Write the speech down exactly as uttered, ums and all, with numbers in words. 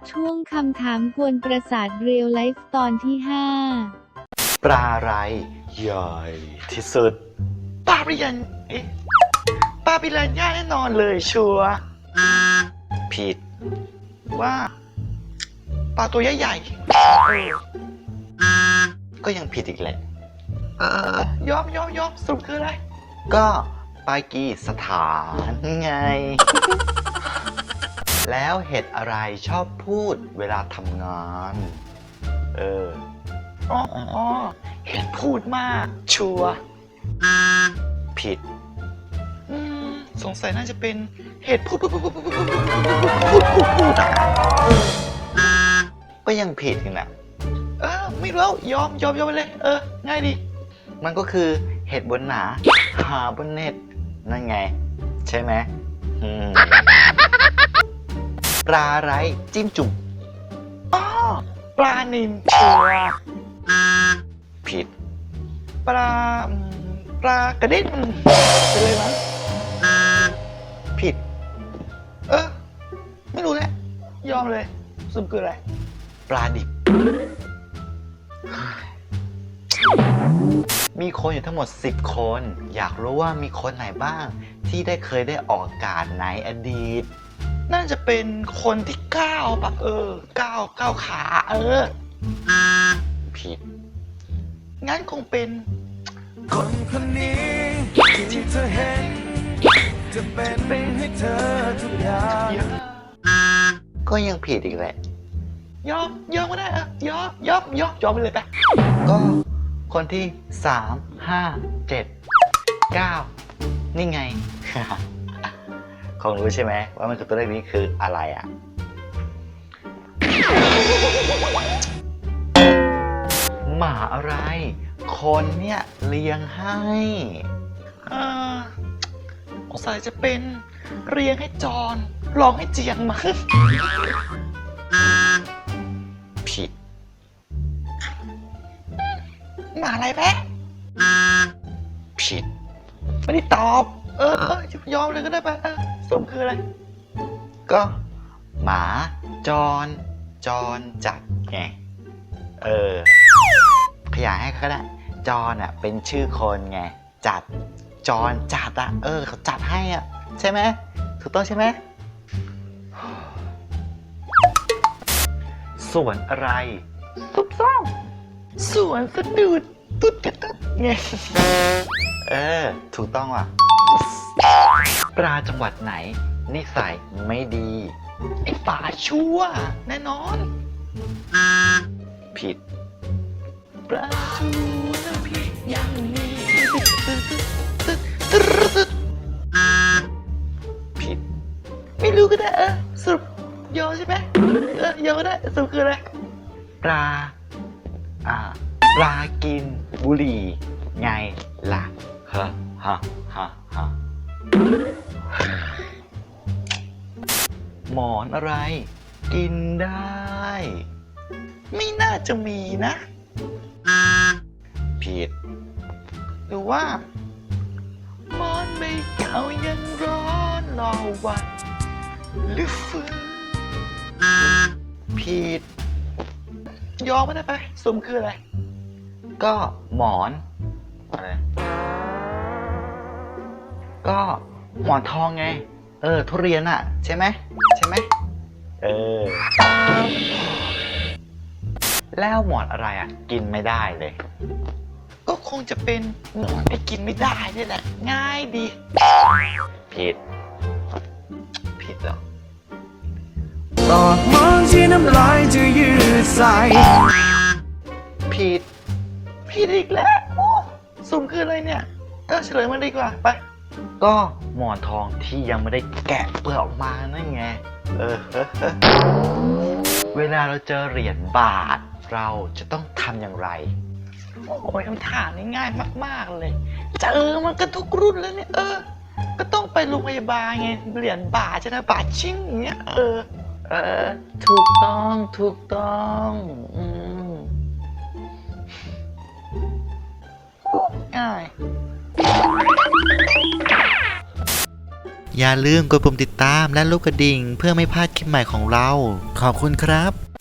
ช่วงคำถามกวนประสาทเรียลไลฟ์ตอนที่ห้าปลาอะไรใหญ่ที่สุดปลาปิรันเอ๊ะปลาปิรันย่าแน่นอนเลยชัวร์ผิดว่าปลาตัวใหญ่ๆก็ยังผิดอีกแหละเออยอมยอมยอมสรุปคืออะไรก็ปากีสถานไง แล้วเห็ดอะไรชอบพูดเวลาทำงานเอออ๋ออ๋อเห็ดพูดมากชัวร์ผิดอืมสงสัยน่าจะเป็นเห็ดพูดพูดพูดพูดพูดพูดพูดพูดพูดอ่ะก็ยังผิดกันนะเออไม่รู้ยอมยอมยอมไปเลยเออง่ายดีมันก็คือเห็ดบนหนาหาบนเน็ตนั่นไงใช่ไหมอืมปลาไรจิ้มจุ่มอ๋อปลานิลชัวร์ผิดปลาปลากระเด็นเป็นเลยมั้งผิดเออไม่รู้แหละยอมเลยสรุปคืออะไรปลาดิบมีคนอยู่ทั้งหมดสิบคนอยากรู้ว่ามีคนไหนบ้างที่ได้เคยได้ออกอากาศในอดีตน่าจะเป็นคนที่เก้าปะเออเก้าเก้าขาเออผิดงั้นคงเป็นคนคนนี้ที่เธอเห็นจะเป็นให้เธอทุกอย่างก็ยังผิดอีกแหละยอมยอมก็ได้อะยอมยอมยอมยอมไปเลยไปก็คนที่สามห้าเจ็ดเก้านี่ไง คงรู้ใช่ไหมว่ามันคือตัวเลขนี้คืออะไรอ่ะหมาอะไรคนเนี่ยเลี้ยงให้อ่าสงสัยจะเป็นเลี้ยงให้จอนร้องให้เจียงมั้งผิดหมาอะไรแป๊ะผิดไม่ได้ตอบเออเออยอมเลยก็ได้ไปเออสมคืออะไรก็หมาจรจรจัดไงเออขยายให้ก็ได้จรอ่ะเป็นชื่อคนไงจัดจรจัดอ่ะเออเขาจัดให้อ่ะใช่ไหมถูกต้องใช่ไหมสวนอะไรซุบซ่อมสวนสะดุดตุ๊ดตุ๊ดไงเออถูกต้องว่ะปลาจังหวัดไหนนิสัยไม่ดีไอ้ป่าชั่วแน่นอนผิดปลาชั่วน้ำพริกอย่างนี้ผิดไม่รู้ก็ได้เออสรุปยอมใช่ไหมเออยอมก็ได้สรุปคืออะไรปลาอ่าปลากินบุหรี่ไงล่ะฮะฮะฮะฮะหมอนอะไรกินได้ไม่น่าจะมีนะผิดหรือว่าหมอนใบเก่ายังร้อนรอวันหรือฟื้นผิดยอมไม่ได้ไปสมคืออะไรก็หมอนอะไรก็หมอนทองไงเออทุเรียนอ่ะใช่ไหมใช่ไหมเออแล้วหมอนอะไรอ่ะกินไม่ได้เลยก็คงจะเป็นหมอนไอ้กินไม่ได้นี่แหละง่ายดีผิดผิดเหรอตอดมองที่น้ำลายจะยืดใส่ผิดผิดอีกแล้วโอ้สุ่มคืออะไรเนี่ยเออเฉลยมันดีกว่าไปก็หมอนทองที่ยังไม่ได้แกะเปลือกออกมานั่นไงเออเวลาเราเจอเหรียญบาทเราจะต้องทำอย่างไรโอ้ยคำถามนี้ง่ายมากๆเลยเจอมันกันทุกรุ่นแล้วเนี่ยเออก็ต้องไปโรงพยาบาลไงเหรียญบาทจะนะบาทชิ่งอย่างเงี้ยเออเออถูกต้องถูกต้องอืมง่ายอย่าลืมกดปุ่มติดตามและลูกกระดิ่งเพื่อไม่พลาดคลิปใหม่ของเรา ขอบคุณครับ